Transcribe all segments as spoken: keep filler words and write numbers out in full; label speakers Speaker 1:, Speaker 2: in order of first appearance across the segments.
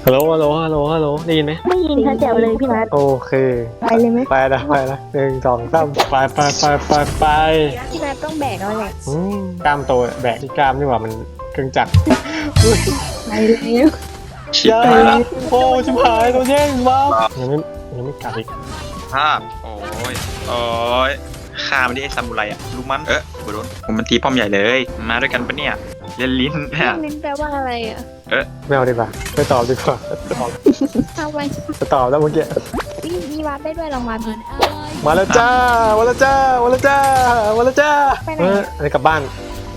Speaker 1: ฮัลโหลฮัลโหลฮัลโหลฮัลโหลได้ยินไหม
Speaker 2: ไม่ยินค่ะแจ๋วเลยพี่นัท
Speaker 1: โอเค
Speaker 2: ไปเลยไหม
Speaker 1: ไปนะไปนะหนึ่งสองสามไปไปไปไปไป
Speaker 2: พี่นัทต้องแบกเอาแหละ
Speaker 1: อืมกล้ามโตแบกที่กล้ามนี่หว่ามันเครื่องจักร
Speaker 2: ไปเลย
Speaker 1: ชิบหายแล้วโอ้ชิบหายตัวแย่งว้าวยังไม่ยังไม่กลับอีก
Speaker 3: ภาพโอ้ยโอ้ยฆ่ามันดิไอ้ซามูไรอะรู้มันเออโดนผมมันตีป้อมใหญ่เลยมาด้วยกันปะเนี่ยเล่นลิ้นเนี่ย
Speaker 2: ลิ้นแปลว่าอะไรอ่ะ
Speaker 3: เออ
Speaker 1: ไม่เอาดีกว่าไม่ตอบดีกว่าตอบ
Speaker 2: ทำไม
Speaker 1: จะตอบแล้วเมื่อกี้
Speaker 2: พี่มีวาร์ปได้ด้วยลองวาร์ป
Speaker 1: มาแล้วจ้ามาแล้วจ้ามาแล้วจ้ามาแล้วจ้าเอออะไรกลับบ้าน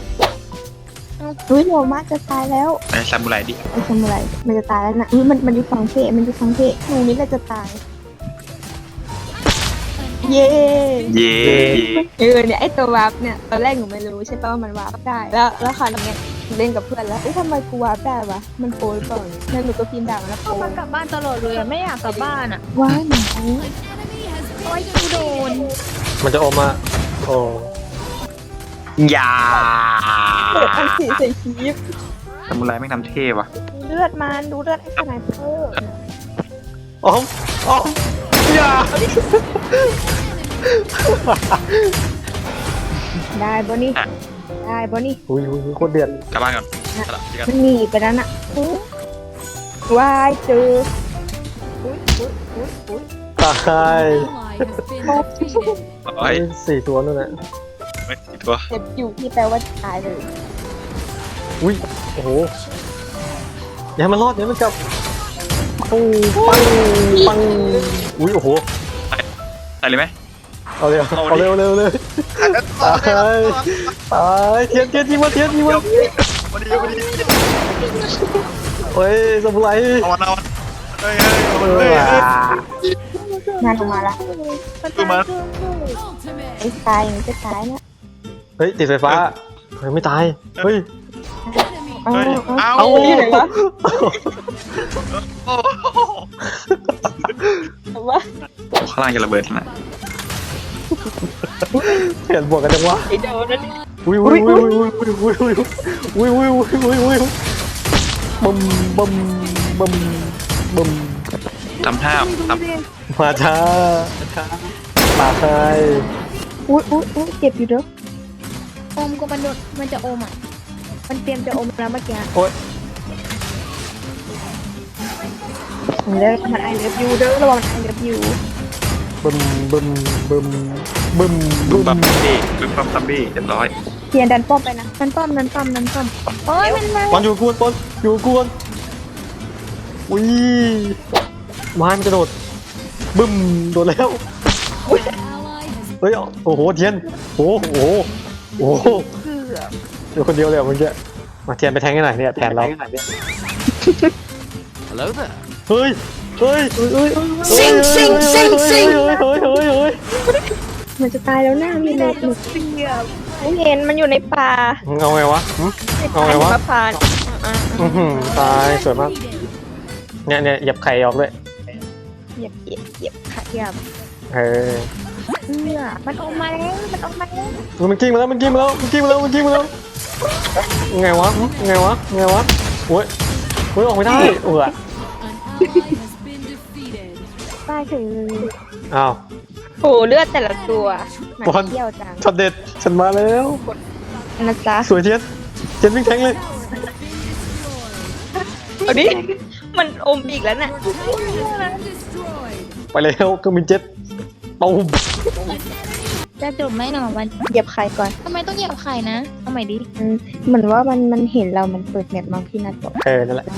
Speaker 2: อุ้ยโหมากจะตายแล้ว
Speaker 3: ไอ้ซามูไรดิ
Speaker 2: ไอ้ซามูไรมันจะตายแล้วนะอุ้ยมันมันอยู่ฝั่งเทมันอยู่ฝั่งเทหนูนี่แหละจะตายเย่
Speaker 3: เย่
Speaker 2: เออเนี่ยไอตัววาร์ปเนี่ยตอนแรกหนูไม่รู้ใช่ป่ะว่ามันวาร์ปได้แล้วแล้วคราวนี้เล่นกับเพื่อนแล้วเอ้ยทำไมกูวาร์ปได้วะมันโปรหรือเปล่าแล้วหนูก็พิมพ์ด่ามันแล้วโปรมันกลับบ้านตลอดเลยไม่อยากกลับบ้านอ่ะว้ายหนูโอ้ยกูโดน
Speaker 1: มันจะออกมาโอ้
Speaker 3: ยา
Speaker 2: เปิดอันสีใส่คลิป
Speaker 3: ซามูไรไม่ทำเท่ว่ะ
Speaker 2: เลือดมันดูเลือดไอ้สไนเปอร์
Speaker 1: อ๋ออ๋ออย่า
Speaker 2: ได้บอนี่ได้บอนี่
Speaker 1: อุ้ยอุ้ยโคตรเดือด
Speaker 3: กลับบ้านก่อน
Speaker 2: มันหนีไปแล้วน่ะวายเจออุ้ยอุ้ยอุ้ยอุ้ย
Speaker 1: ตาย
Speaker 3: ไอ้
Speaker 1: สี่ตัวนั่นแหละ
Speaker 3: ไม่สี่ตัว
Speaker 2: เจ็บอยู่ที่แปลว่าตายเลย
Speaker 1: อุ้ยโอ้โหอย่ามันรอดอย่ามันกลับปังปังปังอุ้ยโอ้โห
Speaker 3: ตายเลยไหม
Speaker 1: เอาเร็วเอาเร็วเร็วเลยตายตายเทียนเทียนยิงมาเทียนยิงมา
Speaker 3: วันนี้วันนี้
Speaker 1: เฮ้ยสมุไร
Speaker 3: เอาวันเอาวันเฮ้ยเฮ้ย
Speaker 2: งานออกมาละ
Speaker 3: ตัวมัน
Speaker 2: ไอ้ตายมันจะตายนะ
Speaker 1: เฮ้ยติดไฟฟ้าเฮ้ยไม่ตายเฮ้ย
Speaker 2: เอา
Speaker 3: เอา
Speaker 2: เอาที่ไหนวะว่า
Speaker 3: ข้างล่างจะระเบิดนะ
Speaker 1: เห็นบวกกันจังวะ
Speaker 2: ไอ้โดนนั่น
Speaker 1: อุ้ยอุ้ยอุ้ยอุ้ยอุ้ยอุ้ยอุ้ยอุ้ยอุ้ยอุ้ยอุ้ยบึมบึมบึมบึม
Speaker 3: ทำท่าทำ
Speaker 1: มาช้าช้ามาใคร
Speaker 2: อุ้ยอุ้ยอุ้ยเจ็บอยู่เด้ออมก็มันโดนมันจะอมอ่ะมันเตรียมจะอมแล้วเมื่อกี้
Speaker 1: โอ๊ย
Speaker 2: เด้อมันไอเลิฟยูเด้อระวังไอเลิฟยู
Speaker 1: บึมบึมบึมบึมบึม
Speaker 3: บัมบี้บึมบัมบัมบี้เรียบร้อย
Speaker 2: เทียนดันป้อมไปนะดันป้อมดันป้อมดันป้อมโอ้ยมันมา
Speaker 1: ปอนอยู่กวนปอนอยู่กวนอุ้ยไม้มันจะโดดบึมโดดแล้วเฮ้ยโอ้โหเทียนโอ้โหโอ้โหเดี๋ยวคนเดียวเลยเมื่อกี้มาเทียนไปแทงให้หน่อยเนี่ยแทนเราเฮ้ยเฮ้ยเฮ้ยซิงซิงซิงซิงเฮ้ยเฮ้ยเฮ้ยเฮ้ย
Speaker 2: มันจะตายแล้วหน้ามีเลือดหนุกไม่เห็นมันอยู่ในป่า
Speaker 1: เอาไงวะเอาไงวะ
Speaker 2: ป่า
Speaker 1: ตายสวยมากเนี่ยเนี่ยหยับไข่ออกด้วย
Speaker 2: หยับเหยียบเหยียบขาหยับ
Speaker 1: เออ
Speaker 2: เนี่ยมันออกมาแล้วมันออกมาแล้ว
Speaker 1: มันกิ้งมาแล้วมันกิ้งมาแล้วมันกิ้งมาแล้วมันกิ้งมาแล้วไงวะไงวะไงวะโอ้ยโอ้ยออกไม่ได้เออ
Speaker 2: ตายเฉยเลย
Speaker 1: อ้าว
Speaker 2: โอ้เลือดแต่ละตัวมันเที่ยวจัง
Speaker 1: ช็อตเด็ดฉันมาแล้ว
Speaker 2: นะจ๊ะ
Speaker 1: สวยเทียนเทียนวิ่งแทงเลย
Speaker 2: เอาดิมันอมอีกแล้วน่ะ
Speaker 1: ไปแล้วก็มีเจ็ตตูม
Speaker 2: จะจบไหมหนอวันเหยียบไข่ก่อนทำไมต้องเหยียบไข่นะเอาใหม่ดิเหมือนว่ามันมันเห็นเรามันเปิดแมปมาพี่นัทบอก
Speaker 1: เออนั่นแหละ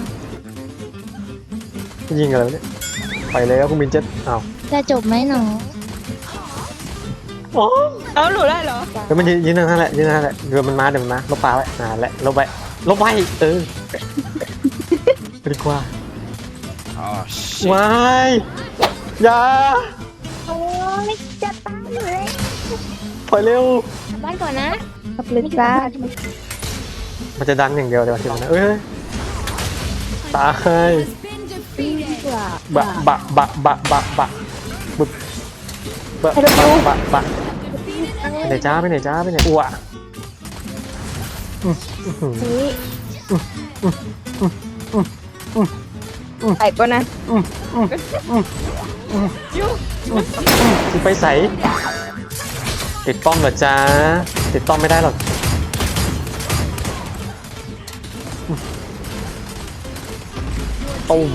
Speaker 1: ยิงอะไรเนี่ยไปแล้วก็มีเจ็ตอ้าว
Speaker 2: จะจบไหมหนออ๋อเอาหนูได้เหรอ
Speaker 1: เดี๋ยวมันยืนนั่นแหละยืนนั่นแหละเดี๋ยวมันมาเดี๋ยวมันมาลบปลาไว้อ่าแหละลบไปลบไปเออดีกว่าว้ายอย่า
Speaker 2: โอ้ยจะตายเลย
Speaker 1: ปล่อยเร็ว
Speaker 2: บ้านก่อนนะขับเลยจ้า
Speaker 1: มันจะดันอย่างเดียวเดี๋ยวทีนั้นเอ้ยตายบะบะบะบะบะบะบึบะบะบะบะไปไหนจ้าไปไหนจ้าไปไหนอ้ว
Speaker 2: ใส่ก็นะ
Speaker 1: อืมอืมอืมอืมอืมสิไปใส่ติดป้อมเหรอจ๊ะติดป้อมไม่ได้หรอกตุ้ม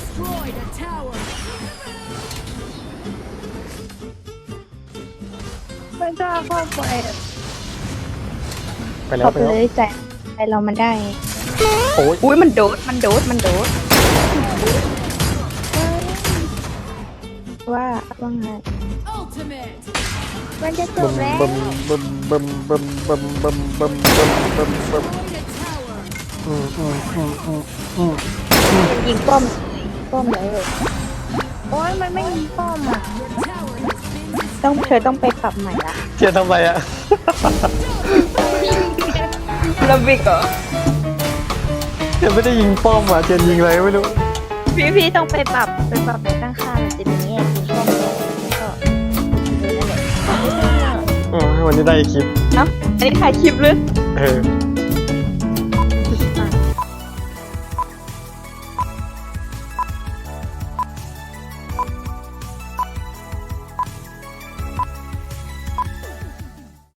Speaker 2: ไม่กล้าเข้าไป
Speaker 1: ไปแล้ว
Speaker 2: เข้า
Speaker 1: ไป
Speaker 2: ไป
Speaker 1: แล้ว
Speaker 2: เลยใจใจเรามันได้
Speaker 1: โอ้ย
Speaker 2: อุ้ยมันโดดมันโดดมันโดดว่าว่าไงมันจะจ
Speaker 1: บึ
Speaker 2: บ
Speaker 1: ม
Speaker 2: แล้ว
Speaker 1: บึมบึมบึมบึมบึมบึมบึมบึมบึมบึมอืมอืมอืมอืมอืม
Speaker 2: ยิงป้อมป้อมเลยโอ้ยมันไม่ยิงป้อมอ่ะต้องเธอต้องไปปรับใหม่ละ
Speaker 1: เทียนทำไรอะ
Speaker 2: ระบิกเหรอ
Speaker 1: เทียนไม่ได้ยิงป้อมอะเทียนยิงอะไรไม่รู้
Speaker 2: พี่พี่ต้องไปปรับไปปรับในตั้งค่ามันจะมีแง่ยิงป้อมแล้วก็เออนั่นแหละ
Speaker 1: อ๋อวันนี้ได้คลิป
Speaker 2: เนาะอันนี้ถ่ายคลิปหรือ
Speaker 1: เออ